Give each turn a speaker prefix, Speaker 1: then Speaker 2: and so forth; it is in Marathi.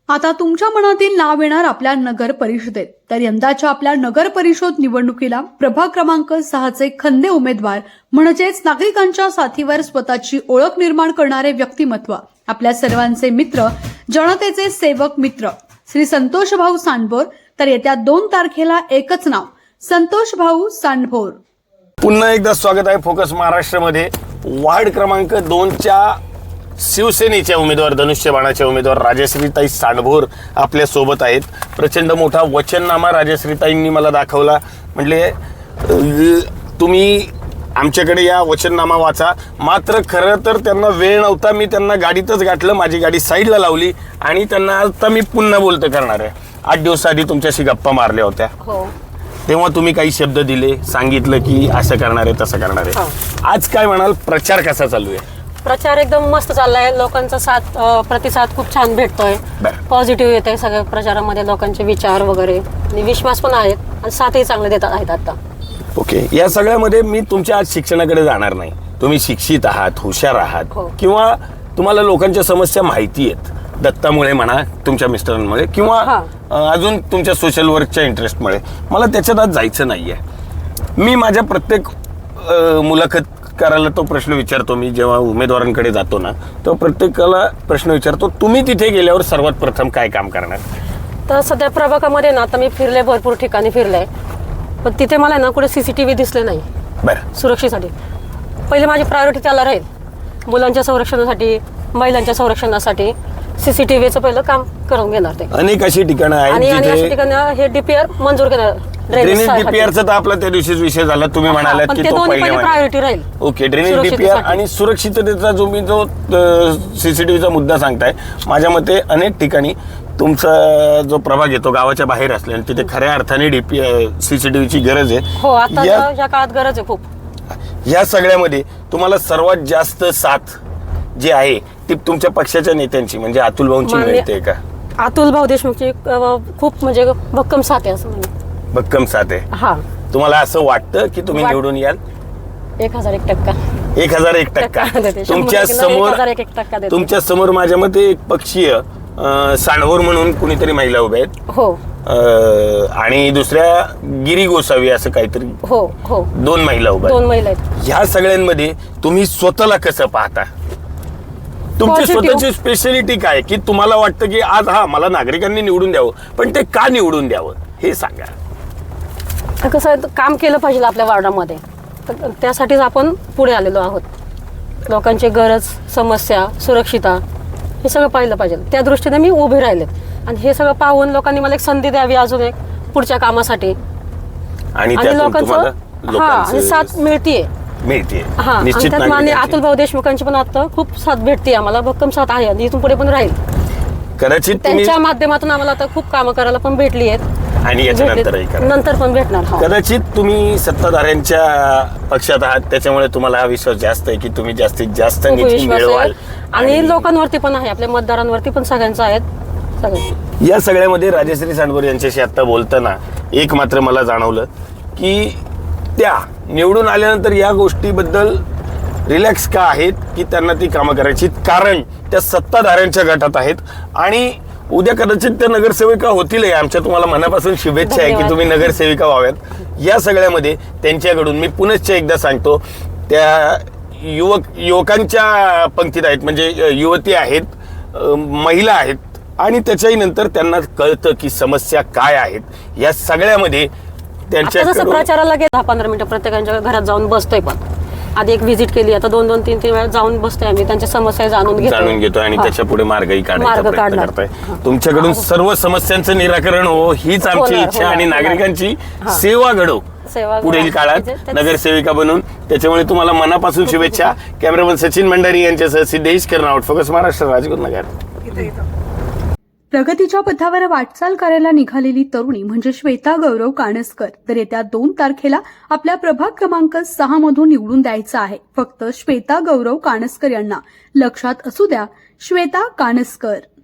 Speaker 1: आता तुमच्या मनातील नाव येणार आपल्या नगर परिषदेत. तर यंदाच्या आपल्या नगर परिषद निवडणुकीला प्रभाग क्रमांक 6चे खंदे उमेदवार म्हणजेच नागरिकांच्या साथीवर स्वतःची ओळख निर्माण करणारे व्यक्तिमत्व, आपल्या सर्वांचे मित्र, जनतेचे सेवक मित्र श्री संतोष भाऊ सांडभोर. तर येत्या 2 तारखेला एकच नाव, संतोष भाऊ सांडभोर.
Speaker 2: पुन्हा एकदा स्वागत आहे फोकस महाराष्ट्रामध्ये. वार्ड क्रमांक 2च्या शिवसेनेच्या उमेदवार, धनुष्यबाणाच्या उमेदवार राजश्रीताई सांडभोर आपल्या सोबत आहेत. प्रचंड मोठा वचननामा राजश्रीताईंनी मला दाखवला. म्हणले तुम्ही आमच्याकडे या, वचननामा वाचा. मात्र खरं तर त्यांना वेळ नव्हता. मी त्यांना गाडीतच गाठलं, माझी गाडी साईडला लावली आणि त्यांना आता मी पुन्हा बोलतं करणार आहे. 8 दिवस आधी तुमच्याशी गप्पा मारल्या होत्या, तेव्हा तुम्ही काही शब्द दिले, सांगितलं की असं करणार आहे तसं करणार आहे. आज काय म्हणाल, प्रचार कसा चालू आहे?
Speaker 3: प्रचार एकदम मस्त चाललाय. लोकांचा प्रतिसाद खूप छान भेटतोय. पॉझिटिव्ह येत आहे सगळ्या प्रचारामध्ये, लोकांचे विचार वगैरे आणि विश्वास पण आहेत आणि साथही चांगले देतात आहेत आता.
Speaker 2: ओके, या सगळ्यामध्ये मी तुमच्या आज शिक्षणाकडे जाणार नाही. तुम्ही शिक्षित आहात, हुशार आहात, किंवा तुम्हाला लोकांच्या समस्या माहिती आहेत, दत्तामुळे म्हणा, तुमच्या मिस्टरांमुळे, किंवा अजून तुमच्या सोशल वर्कच्या इंटरेस्टमुळे. मला त्याच्यात आज जायचं नाहीये. मी माझ्या प्रत्येक मुलाखत करायला तो प्रश्न विचारतो. मी जेव्हा उमेदवारांकडे जातो ना, तो प्रत्येकाला प्रश्न विचारतो, तुम्ही तिथे गेल्यावर सर्वात प्रथम काय काम करणार?
Speaker 3: तर सध्या प्रभागामध्ये ना, आता मी फिरले, भरपूर ठिकाणी फिरले, पण तिथे मला ना कुठे CCTV दिसले नाही.
Speaker 2: बरं,
Speaker 3: सुरक्षेसाठी पहिले माझी प्रायोरिटी त्याला राहील. मुलांच्या संरक्षणासाठी, महिलांच्या संरक्षणासाठी CCTVचं पहिलं काम करून घेणार ते.
Speaker 2: अनेक अशी ठिकाणं आहेत
Speaker 3: आणि अशा ठिकाणी हे DPR मंजूर करणार.
Speaker 2: ड्रेनेज डीपीआरचा तर आपला त्या दिवशीच विषय झाला. तुम्ही म्हणालात की तो
Speaker 3: पहिले प्रायोरिटी राहील.
Speaker 2: ओके, ड्रेनेज डीपीआर आणि सुरक्षिततेचा जो CCTVचा मुद्दा सांगताय, माझ्या मते अनेक ठिकाणी तुमचा जो प्रभाग येतो गावाच्या बाहेर असल्याने तिथे खऱ्या अर्थाने CCTVची गरज आहे.
Speaker 3: हो, आता या काळात गरज आहे खूप.
Speaker 2: या सगळ्यामध्ये तुम्हाला सर्वात जास्त साथ जी आहे ती तुमच्या पक्षाच्या नेत्यांची, म्हणजे अतुल भाऊंची मिळते का?
Speaker 3: अतुल भाऊ देशमुखची खूप म्हणजे भक्कम साथ आहे असं म्हणजे.
Speaker 2: भक्कम साथ आहे.
Speaker 3: हा,
Speaker 2: तुम्हाला असं वाटतं की तुम्ही निवडून याल?
Speaker 3: 1001%.
Speaker 2: 1001%. तुमच्या समोर माझ्या मते एक पक्षीय सांडभोर म्हणून कुणीतरी महिला उभ्या आहेत.
Speaker 3: हो.
Speaker 2: आणि दुसऱ्या गिरी गोसावी असं काहीतरी.
Speaker 3: हो हो,
Speaker 2: 2 महिला उभ्या,
Speaker 3: 2 महिला आहेत.
Speaker 2: ह्या सगळ्यांमध्ये तुम्ही स्वतःला कसं पाहता? तुमची स्वतःची स्पेशालिटी काय, की तुम्हाला वाटतं की आज मला नागरिकांनी निवडून द्यावं, पण ते का निवडून द्यावं हे सांगा.
Speaker 3: कसं आहे, काम केलं पाहिजे आपल्या वार्डामध्ये, त्यासाठीच आपण पुढे आलेलो आहोत. लोकांची गरज, समस्या, सुरक्षिता हे सगळं पाहिलं पाहिजे. त्या दृष्टीने मी उभे राहिले आणि हे सगळं पाहून लोकांनी मला एक संधी द्यावी अजून एक पुढच्या कामासाठी. आणि लोकांचं साथ मिळतीये.
Speaker 2: निश्चित.
Speaker 3: माननीय अतुल भाऊ देशमुखांची पण आता खूप साथ भेटते आम्हाला, भक्कम साथ आहे आणि इथून पुढे पण राहील.
Speaker 2: कदाचित
Speaker 3: त्यांच्या माध्यमातून आम्हाला आता खूप कामं करायला पण भेटली आहेत
Speaker 2: आणि
Speaker 3: नंतर पण भेटणार.
Speaker 2: कदाचित तुम्ही सत्ताधाऱ्यांच्या पक्षात आहात, त्याच्यामुळे तुम्हाला हा विश्वास जास्त आहे की तुम्ही जास्तीत जास्त निधी मिळवाल.
Speaker 3: आणि लोकांवरती पण आहे, आपल्या मतदारांवरती पण सगळ्यांचं आहेत.
Speaker 2: या सगळ्यामध्ये राजश्री सांडभोर यांच्याशी आता बोलताना एक मात्र मला जाणवलं की त्या निवडून आल्यानंतर या गोष्टीबद्दल रिलॅक्स का आहेत, की त्यांना ती कामं करायची, कारण त्या सत्ताधाऱ्यांच्या गटात आहेत आणि उद्या कदाचित त्या नगरसेविका होतील. आमच्या तुम्हाला मनापासून शुभेच्छा आहे की तुम्ही नगरसेविका व्हाव्यात. या सगळ्यामध्ये त्यांच्याकडून मी पुनश्च एकदा सांगतो, त्या युवकांच्या पंक्तीत आहेत, म्हणजे युवती आहेत, महिला आहेत, आणि त्याच्याही नंतर त्यांना कळतं की समस्या काय आहेत. या सगळ्यामध्ये त्यांच्या
Speaker 3: प्रचाराला 10-15 मिनिटं प्रत्येकाच्या घरात जाऊन बसतोय. पण आधी एक व्हिजिट केली, आता 2-3 वेळा जाऊन बसतोय आम्ही, त्यांच्या समस्या जाणून घेतो आणि
Speaker 2: त्याच्या पुढे मार्गही काढण्याचा प्रयत्न करताय. तुमच्याकडून सर्व समस्यांचं निराकरण हो हीच आमची इच्छा आणि नागरिकांची सेवा घडो पुढील काळात नगरसेविका बनून. त्याच्यामुळे तुम्हाला मनापासून शुभेच्छा. कॅमेरामन सचिन मंडारी यांच्यासह सिद्धेश कर्नावट, फोकस महाराष्ट्र, राजगुरुनगर.
Speaker 1: प्रगतीच्या पथावर वाटचाल करायला निघालेली तरुणी म्हणजे श्वेता गौरव कानसकर. तर येत्या 2 तारखेला आपल्या प्रभाग क्रमांक 6 मधून निवडून द्यायचं आहे. फक्त श्वेता गौरव कानसकर यांना. लक्षात असू द्या, श्वेता कानसकर.